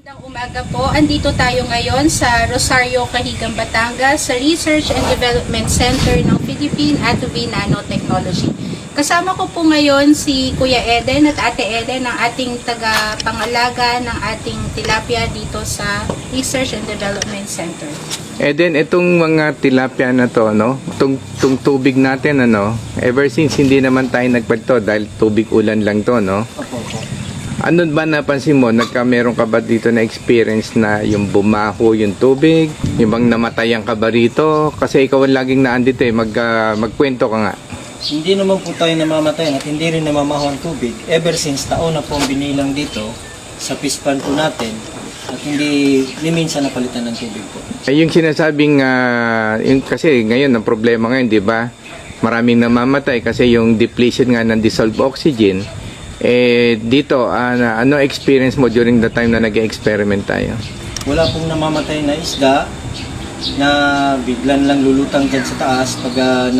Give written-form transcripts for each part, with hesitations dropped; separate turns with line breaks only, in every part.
Magandang umaga po. Andito tayo ngayon sa Rosario, Cahigan, Batangas sa Research and Development Center ng Philippine Atobay Nanotechnology. Kasama ko po ngayon si Kuya Eden at Ate Eden, ang ating tagapangalaga ng ating tilapia dito sa Research and Development Center.
Eden, itong mga tilapia na to, no? Itong tubig natin, ano? Ever since hindi naman tayo nagpagto dahil tubig ulan lang to, no?
Opo.
Ano ba napansin mo? Meron ka ba dito na experience na yung bumaho yung tubig? Yung bang namatayan ka ba rito? Kasi ikaw ang laging naandito eh. Magkwento ka nga.
Hindi naman po tayo namamatay at hindi rin namamaho ang tubig. Ever since taon na po ang binilang dito sa pispan po natin at hindi ni minsan napalitan ng tubig po.
Ay, yung sinasabing, kasi ngayon ang problema ngayon, di ba? Maraming namamatay kasi yung depletion nga ng dissolved oxygen. Dito, ano experience mo during the time na nag-experiment tayo?
Wala pong namamatay na isda na biglan lang lulutang dyan sa taas pag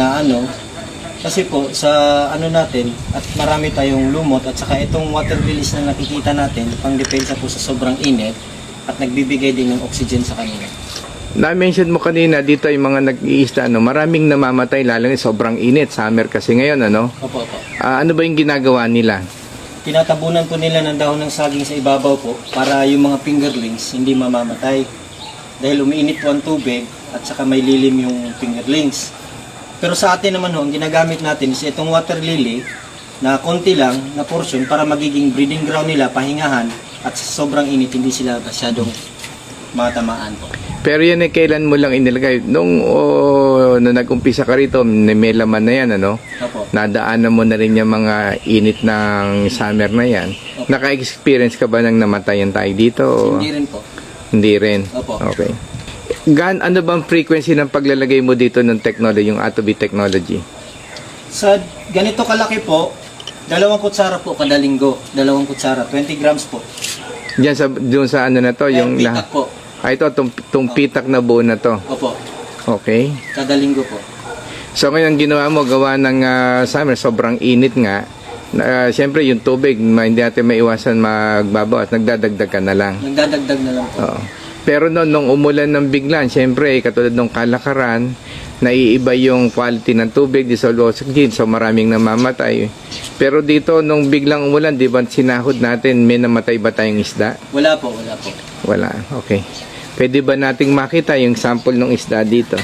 kasi po sa natin at marami tayong lumot at saka itong water release na nakikita natin pang depensa po sa sobrang init at nagbibigay din ng oxygen sa kanila.
Na-mention mo kanina dito yung mga nag-iista, maraming namamatay lalo na sobrang init, summer kasi ngayon, ano?
Opo.
Ano ba yung ginagawa nila?
Tinatabunan po nila ng dahon ng saging sa ibabaw po para yung mga fingerlings hindi mamamatay. Dahil umiinit po ang tubig at saka may lilim yung fingerlings. Pero sa atin naman ang ginagamit natin is itong water lily na konti lang na portion para magiging breeding ground nila, pahingahan at sa sobrang init hindi sila masyadong matamaan po.
Pero yan kailan mo lang inilagay? Nung nag-umpisa ka rito, may laman na yan, ano?
Opo.
Nadaanan mo na rin yung mga init ng summer na yan.
Opo.
Naka-experience ka ba ng namatayan tayo dito?
Hindi rin po.
Hindi rin?
Opo.
Okay. Ano bang frequency ng paglalagay mo dito ng technology, yung Atobay technology?
Sa ganito kalaki po, 2 kutsara po kada linggo. 2 kutsara, 20 grams po.
Doon sa ano na to? Yung
pitak po.
ito, itong pitak na buo na to.
Opo.
Okay.
Kada linggo po.
So ngayon ginawa mo, gawa ng summer, sobrang init nga. Siyempre yung tubig, hindi natin maiwasan magbabaw at nagdadagdag ka na lang.
Nagdadagdag na lang po.
Oo. Pero nung umulan ng biglan, siyempre katulad ng kalakaran, naiiba yung quality ng tubig, dissolved oxygen, so maraming namamatay. Pero dito, nung biglang umulan, di ba sinahod natin, may namatay ba tayong isda?
Wala po.
Wala, okay. Pwede ba nating makita yung sample ng isda dito?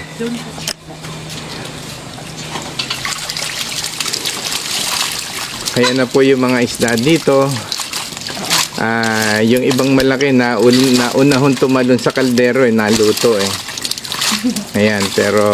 Kaya na po yung mga isda dito. Yung ibang malaki na unahon tumalon sa kaldero naluto Ayan, pero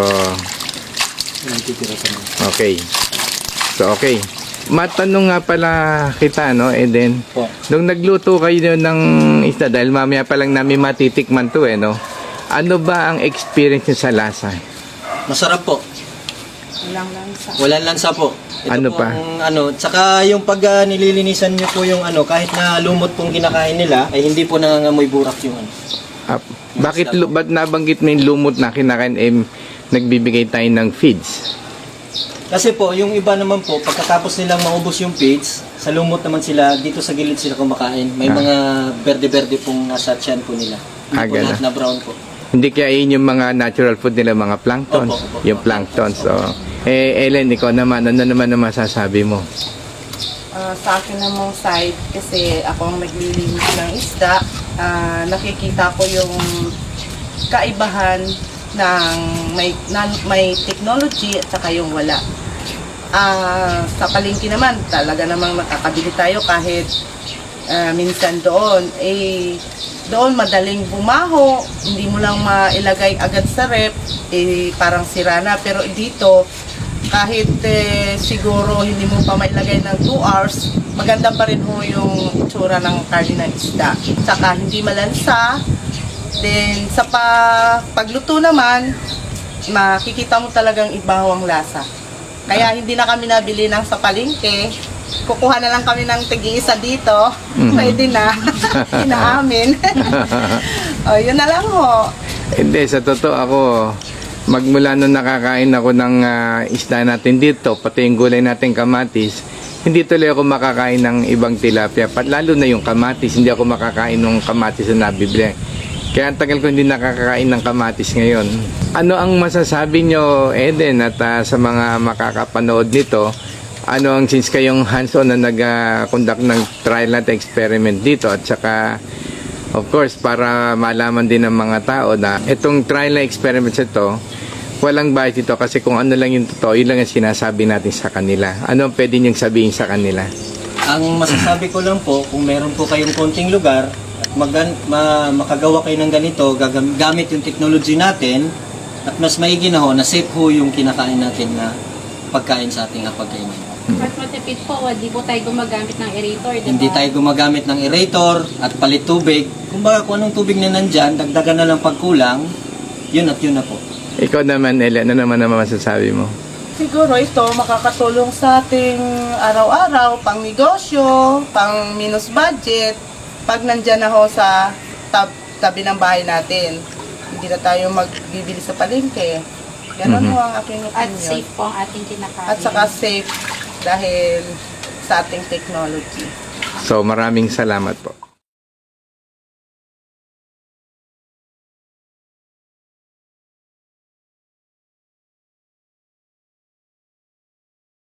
okay. So okay. Matanong nga pala kita, no, Eden?
Po.
Nung nagluto kayo ng isda, dahil mamaya pa lang namin matitikman to no? Ano ba ang experience niyo sa lasa?
Masarap po. Walang lansa po. Ito
Ano
po
pa?
Tsaka yung pag nililinisan nyo po yung kahit na lumot pong kinakain nila, ay hindi po nangangamoy burak yung
Ba't nabanggit mo yung lumot na kinakain, nagbibigay tayo ng feeds?
Kasi po, yung iba naman po, pagkatapos nilang maubos yung feeds, sa lumot naman sila, dito sa gilid sila kumakain. May mga berde-berde pong nasa tiyan po nila. Hindi po lahat na brown po.
Hindi kaya yun yung mga natural food nila, mga planktons.
Opo.
Yung planktons. So, Ellen, ikaw naman, ano naman ang masasabi mo?
Sa akin namang side, kasi ako ang naglilinis ng isda, nakikita ko yung kaibahan ng may technology at saka yung wala. Sa palengke naman, talaga namang nakakabili tayo kahit minsan doon. Doon madaling bumaho, hindi mo lang mailagay agad sa rep, parang sira na. Pero dito, kahit siguro hindi mo pa mailagay ng 2 hours, maganda pa rin ho yung itsura ng karne ng isda. Saka hindi malansa. Then sa pagluto naman, makikita mo talagang ibaho ang lasa. Kaya hindi na kami nabili ng sa palengke. Kukuha na lang kami ng tig-isa dito. Pwede na. Inaamin. Yun na lang ho.
Hindi, sa totoo ako, magmula nung nakakain ako ng isda natin dito, pati yung gulay natin kamatis, hindi tuloy ako makakain ng ibang tilapia. Lalo na yung kamatis, hindi ako makakain ng kamatis na nabibili. Kaya ang tagal ko hindi nakakakain ng kamatis ngayon. Ano ang masasabi nyo, Eden, at sa mga makakapanood nito, ano ang since kayong hands-on na nag-conduct ng trial at experiment dito at saka of course para malaman din ng mga tao na itong trial na experiment ito walang bias ito kasi kung ano lang yung totoo yun lang ang sinasabi natin sa kanila. Ano ang pwede niyong sabihin sa kanila?
Ang masasabi ko lang po, kung meron po kayong konting lugar at makagawa kayo ng ganito, gamit yung technology natin at mas maigi na ho na safe ho yung kinakain natin na pagkain sa ating hapagkainan.
At matipid po, di po tayo gumagamit ng aerator, diba?
Hindi tayo gumagamit ng aerator at palit tubig. Kumbaga kung anong tubig na nandyan, dagdagan na lang pagkulang, yun at yun na po.
Ikaw naman, Ele, ano naman masasabi mo?
Siguro ito makakatulong sa ating araw-araw, pang negosyo, pang minus budget, pag nandyan na ho sa tabi ng bahay natin. Hindi na tayo magbibili sa palengke. Ganon ho ang aking opinion.
At safe po ang ating kinakain.
At saka safe dahil sa ating technology.
So maraming salamat po.